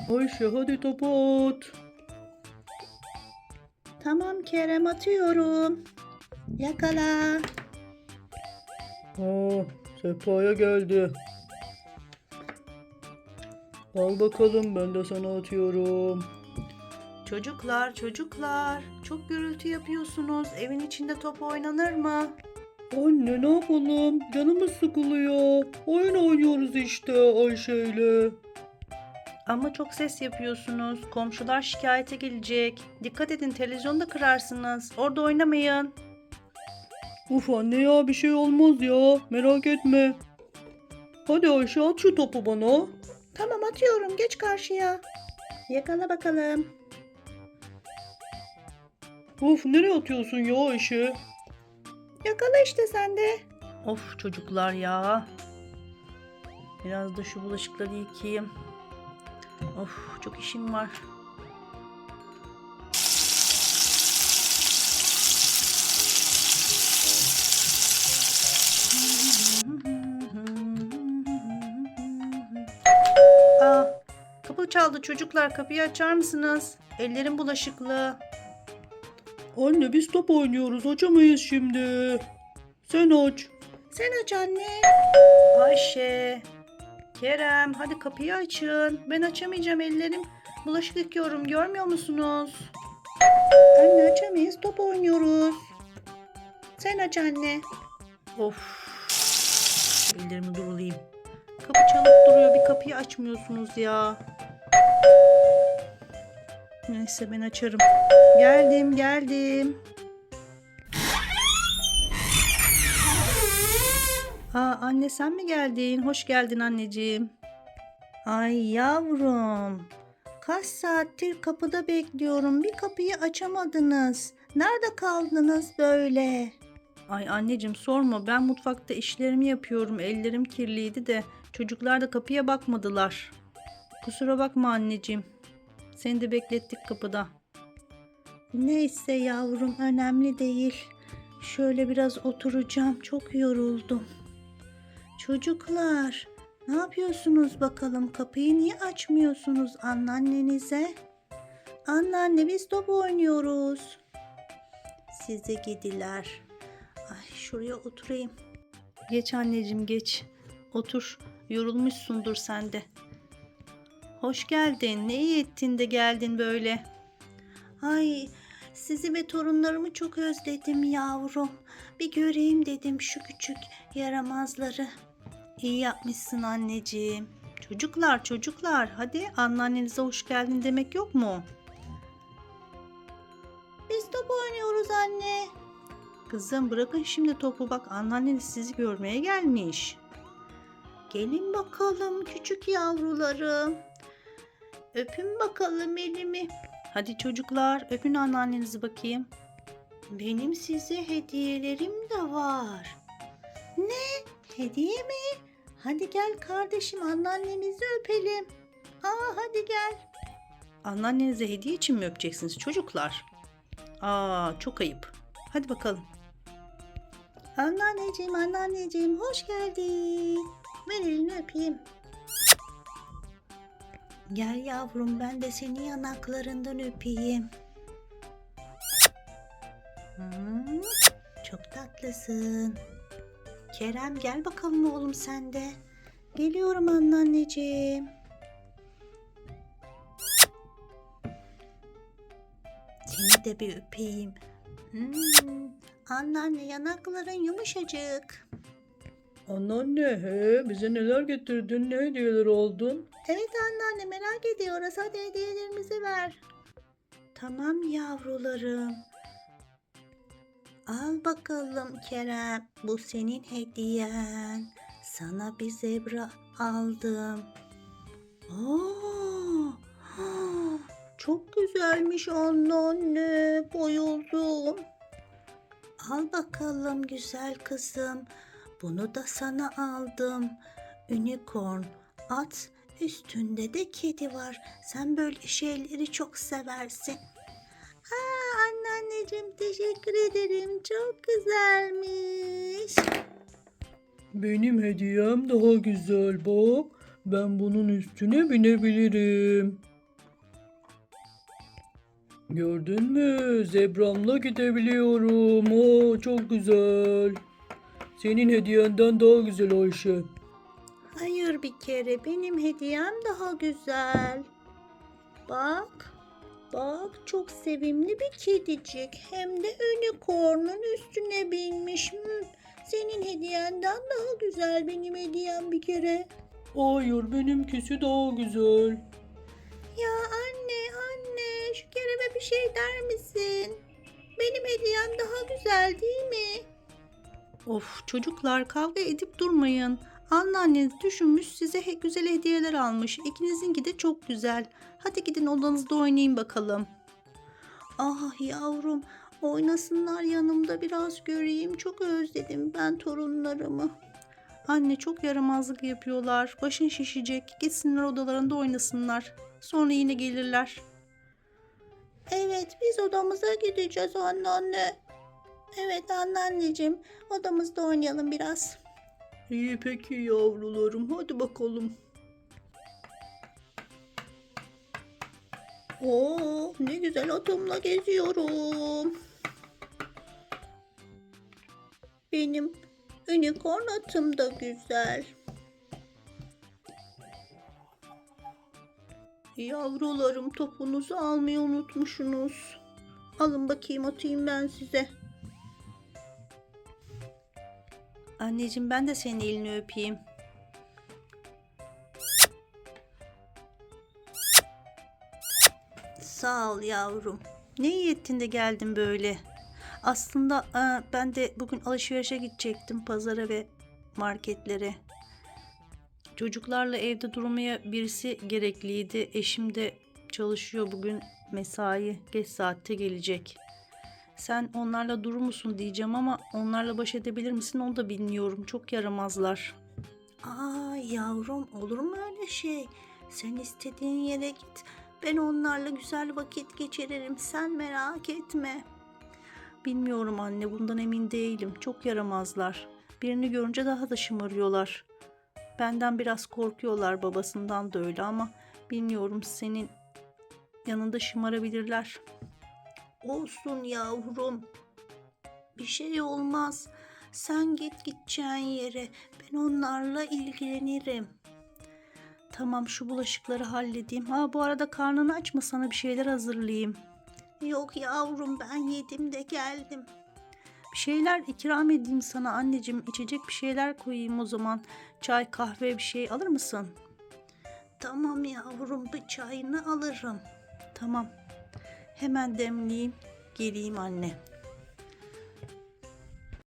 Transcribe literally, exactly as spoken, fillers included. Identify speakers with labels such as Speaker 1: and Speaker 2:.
Speaker 1: Ayşe hadi topu at.
Speaker 2: Tamam Kerem, atıyorum. Yakala.
Speaker 1: Aa, sehpaya geldi. Al bakalım, ben de sana atıyorum.
Speaker 2: Çocuklar, çocuklar. Çok gürültü yapıyorsunuz. Evin içinde top oynanır mı?
Speaker 1: Anne ne yapalım? Canımız sıkılıyor. Oyun oynuyoruz işte Ayşe'yle.
Speaker 2: Ama çok ses yapıyorsunuz. Komşular şikayete gelecek. Dikkat edin, televizyonu da kırarsınız. Orada oynamayın.
Speaker 1: Uf anne ya, bir şey olmaz ya. Merak etme. Hadi Ayşe at şu topu bana.
Speaker 2: Tamam, atıyorum. Geç karşıya. Yakala bakalım.
Speaker 1: Uf nereye atıyorsun ya Ayşe?
Speaker 2: Yakala işte sen de. Of çocuklar ya. Biraz da şu bulaşıkları yıkayayım. Of çok işim var. Aa, kapı çaldı çocuklar. Kapıyı açar mısınız? Ellerim bulaşıklı.
Speaker 1: Anne biz top oynuyoruz, açamayız şimdi. Sen aç.
Speaker 2: Sen aç anne. Ayşe, Kerem, hadi kapıyı açın. Ben açamayacağım, ellerim bulaşık yıkıyorum, görmüyor musunuz? Anne açamayız, top oynuyoruz. Sen aç anne. Of, ellerimi durulayım. Kapı çalıp duruyor, bir kapıyı açmıyorsunuz ya. Neyse ben açarım. Geldim geldim. Aa, anne sen mi geldin? Hoş geldin anneciğim. Ay yavrum. Kaç saattir kapıda bekliyorum. Bir kapıyı açamadınız. Nerede kaldınız böyle? Ay anneciğim sorma. Ben mutfakta işlerimi yapıyorum. Ellerim kirliydi de çocuklar da kapıya bakmadılar. Kusura bakma anneciğim. Seni de beklettik kapıda. Neyse yavrum, önemli değil. Şöyle biraz oturacağım. Çok yoruldum. Çocuklar, ne yapıyorsunuz bakalım? Kapıyı niye açmıyorsunuz anneannenize? Anneanne biz top oynuyoruz. Size gidiler. Ay şuraya oturayım. Geç anneciğim geç. Otur. Yorulmuşsundur sen de. Hoş geldin. Ne iyi ettin de geldin böyle. Ay sizi ve torunlarımı çok özledim yavrum. Bir göreyim dedim şu küçük yaramazları. İyi yapmışsın anneciğim. Çocuklar çocuklar hadi anneannenize hoş geldin demek yok mu? Biz top oynuyoruz anne. Kızım bırakın şimdi topu, bak anneanneniz sizi görmeye gelmiş. Gelin bakalım küçük yavrularım. Öpün bakalım elimi. Hadi çocuklar öpün anneannenizi bakayım. Benim size hediyelerim de var. Ne? Hediye mi? Hadi gel kardeşim anneannemizi öpelim. Aa hadi gel. Anneannenize hediye için mi öpeceksiniz çocuklar? Aa çok ayıp. Hadi bakalım. Anneanneciğim anneanneciğim hoş geldin. Ver elini öpeyim. Gel yavrum ben de seni yanaklarından öpeyim. Hmm, çok tatlısın. Kerem gel bakalım oğlum sen de. Geliyorum anneanneciğim. Seni de bir öpeyim. Hmm, anneanne yanakların yumuşacık.
Speaker 1: Anneanne he, bize neler getirdin, ne hediyeler aldın?
Speaker 2: Evet anneanne merak ediyoruz. Hadi hediyelerimizi ver. Tamam yavrularım. Al bakalım Kerem. Bu senin hediyen. Sana bir zebra aldım. Oo, çok güzelmiş anneanne. Bayıldım. Al bakalım güzel kızım. Bunu da sana aldım. Unicorn at. Üstünde de kedi var. Sen böyle şeyleri çok seversin. Aa, anneanneciğim teşekkür ederim. Çok güzelmiş.
Speaker 1: Benim hediyem daha güzel bak. Ben bunun üstüne binebilirim. Gördün mü? Zebramla gidebiliyorum. Oo, çok güzel. Senin hediyenden daha güzel Ayşe.
Speaker 2: Hayır, bir kere benim hediyem daha güzel. Bak, bak çok sevimli bir kedicik. Hem de unicorn'un üstüne binmiş. Hmm, senin hediyenden daha güzel benim hediyem bir kere.
Speaker 1: Hayır, benimkisi daha güzel.
Speaker 2: Ya anne, anne şu Kerem'e bir şey der misin? Benim hediyem daha güzel değil mi? Of çocuklar kavga edip durmayın. Anneanneniz düşünmüş size he- güzel hediyeler almış. İkinizinki de çok güzel. Hadi gidin odanızda oynayın bakalım. Ah yavrum oynasınlar yanımda biraz göreyim. Çok özledim ben torunlarımı. Anne çok yaramazlık yapıyorlar. Başın şişecek. Gitsinler odalarında oynasınlar. Sonra yine gelirler. Evet biz odamıza gideceğiz anneanne. Evet anneanneciğim odamızda oynayalım biraz.
Speaker 1: İyi peki yavrularım, hadi bakalım.
Speaker 2: Oo ne güzel atımla geziyorum. Benim unicorn atım da güzel. Yavrularım topunuzu almayı unutmuşsunuz. Alın bakayım atayım ben size. Anneciğim ben de senin elini öpeyim. Sağ ol yavrum. Ne iyi ettin de geldin böyle. Aslında aa, ben de bugün alışverişe gidecektim pazara ve marketlere. Çocuklarla evde durmaya birisi gerekliydi. Eşim de çalışıyor bugün mesai geç saatte gelecek. Sen onlarla durur musun diyeceğim ama onlarla baş edebilir misin onu da bilmiyorum. Çok yaramazlar. Aa yavrum olur mu öyle şey? Sen istediğin yere git. Ben onlarla güzel vakit geçiririm. Sen merak etme. Bilmiyorum anne bundan emin değilim. Çok yaramazlar. Birini görünce daha da şımarıyorlar. Benden biraz korkuyorlar babasından da öyle ama bilmiyorum senin yanında şımarabilirler. Olsun yavrum. Bir şey olmaz. Sen git gideceğin yere. Ben onlarla ilgilenirim. Tamam şu bulaşıkları halledeyim. Ha bu arada karnını aç mı sana bir şeyler hazırlayayım. Yok yavrum ben yedim de geldim. Bir şeyler ikram edeyim sana anneciğim. İçecek bir şeyler koyayım o zaman. Çay, kahve bir şey alır mısın? Tamam yavrum bir çayını alırım. Tamam. Hemen demleyeyim. Geleyim anne.